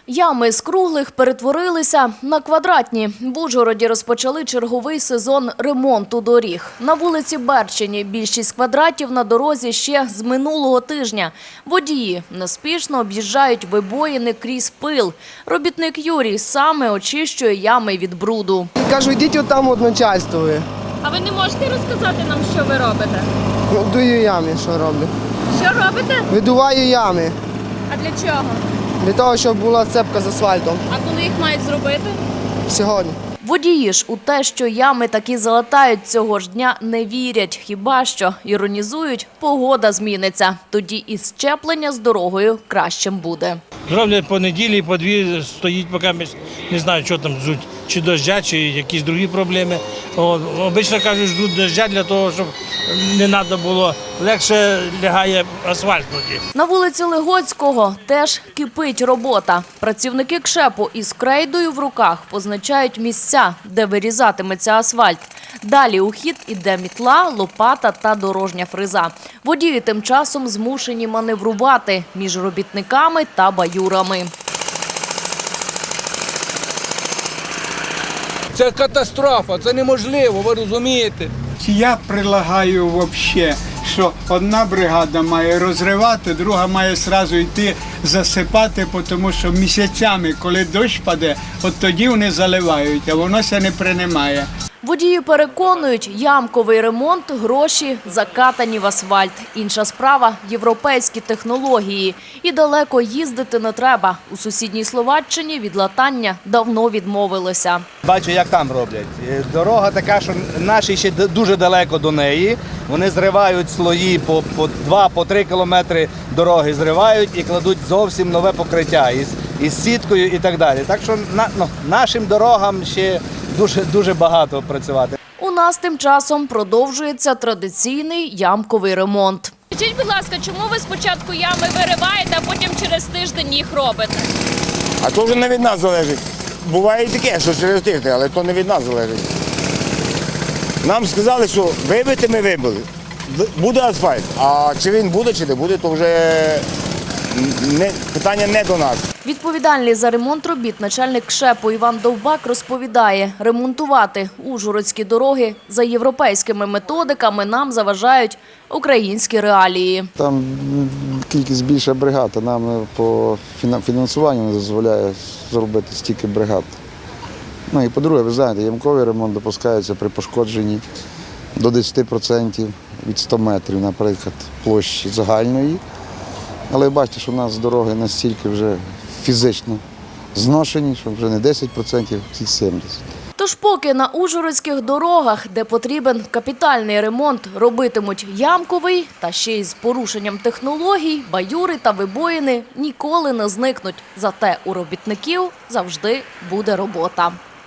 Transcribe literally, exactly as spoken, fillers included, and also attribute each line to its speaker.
Speaker 1: Ями з круглих перетворилися на квадратні. В Ужгороді розпочали черговий сезон ремонту доріг. На вулиці Берчині більшість квадратів на дорозі ще з минулого тижня. Водії неспішно об'їжджають вибоїни крізь пил. Робітник Юрій саме очищує ями від бруду.
Speaker 2: Кажу, йдіть отам от начальствує.
Speaker 1: А ви не можете розказати нам, що ви робите?
Speaker 2: Ну, дую ями, що роблю.
Speaker 1: Що робите?
Speaker 2: Видуваю ями.
Speaker 1: А для чого?
Speaker 2: Для того, щоб була цепка з асфальтом.
Speaker 1: А коли їх мають зробити?
Speaker 2: Сьогодні.
Speaker 1: Водії ж у те, що ями таки залатають цього ж дня, не вірять. Хіба що, іронізують, погода зміниться. Тоді і щеплення з дорогою кращим буде.
Speaker 3: Зроблять по неділі, по дві стоїть, поки ми не знаю, що там ждуть, чи дождя, чи якісь другі проблеми. От, обично кажуть, ждуть дождя для того, щоб не треба було, легше лягає асфальт тоді.
Speaker 1: На вулиці Легоцького теж кипить робота. Працівники КШЕПу із крейдою в руках позначають місця, де вирізатиметься асфальт. Далі у хід іде мітла, лопата та дорожня фреза. Водії тим часом змушені маневрувати між робітниками та баюрами.
Speaker 4: Це катастрофа, це неможливо, ви розумієте?
Speaker 5: Я прилагаю взагалі, що одна бригада має розривати, друга має одразу йти засипати, тому що місяцями, коли дощ паде, от тоді вони заливають, а воно ся не приймає.
Speaker 1: Водії переконують, ямковий ремонт – гроші закатані в асфальт. Інша справа – європейські технології. І далеко їздити не треба. У сусідній Словаччині від латання давно відмовилися.
Speaker 6: Бачу, як там роблять. Дорога така, що наші ще дуже далеко до неї. Вони зривають слої по, по два, по три кілометри дороги зривають і кладуть зовсім нове покриття із, із сіткою і так далі. Так що на, ну, нашим дорогам ще дуже, дуже багато працювати.
Speaker 1: У нас тим часом продовжується традиційний ямковий ремонт.
Speaker 7: Скажіть, будь ласка, чому ви спочатку ями вириваєте, а потім через тиждень їх робите?
Speaker 8: А то вже не від нас залежить. Буває і таке, що через тиждень, але то не від нас залежить. Нам сказали, що вибити ми вибили. Буде асфальт. А чи він буде, чи не буде, то вже не, питання не до нас.
Speaker 1: Відповідальний за ремонт робіт начальник КШЕПу Іван Довбак розповідає, ремонтувати ужгородські дороги за європейськими методиками нам заважають українські реалії.
Speaker 9: Там кількість більша бригад, а нам по фінансуванню не дозволяє зробити стільки бригад. Ну і по-друге, ви знаєте, ямковий ремонт допускається при пошкодженні до десяти відсотків від ста метрів, наприклад, площі загальної. Але бачите, що у нас дороги настільки вже фізично зношені, що вже не десять відсотків, а сімдесят відсотків.
Speaker 1: Тож поки на ужгородських дорогах, де потрібен капітальний ремонт, робитимуть ямковий, та ще й з порушенням технологій, баюри та вибоїни ніколи не зникнуть. Зате у робітників завжди буде робота.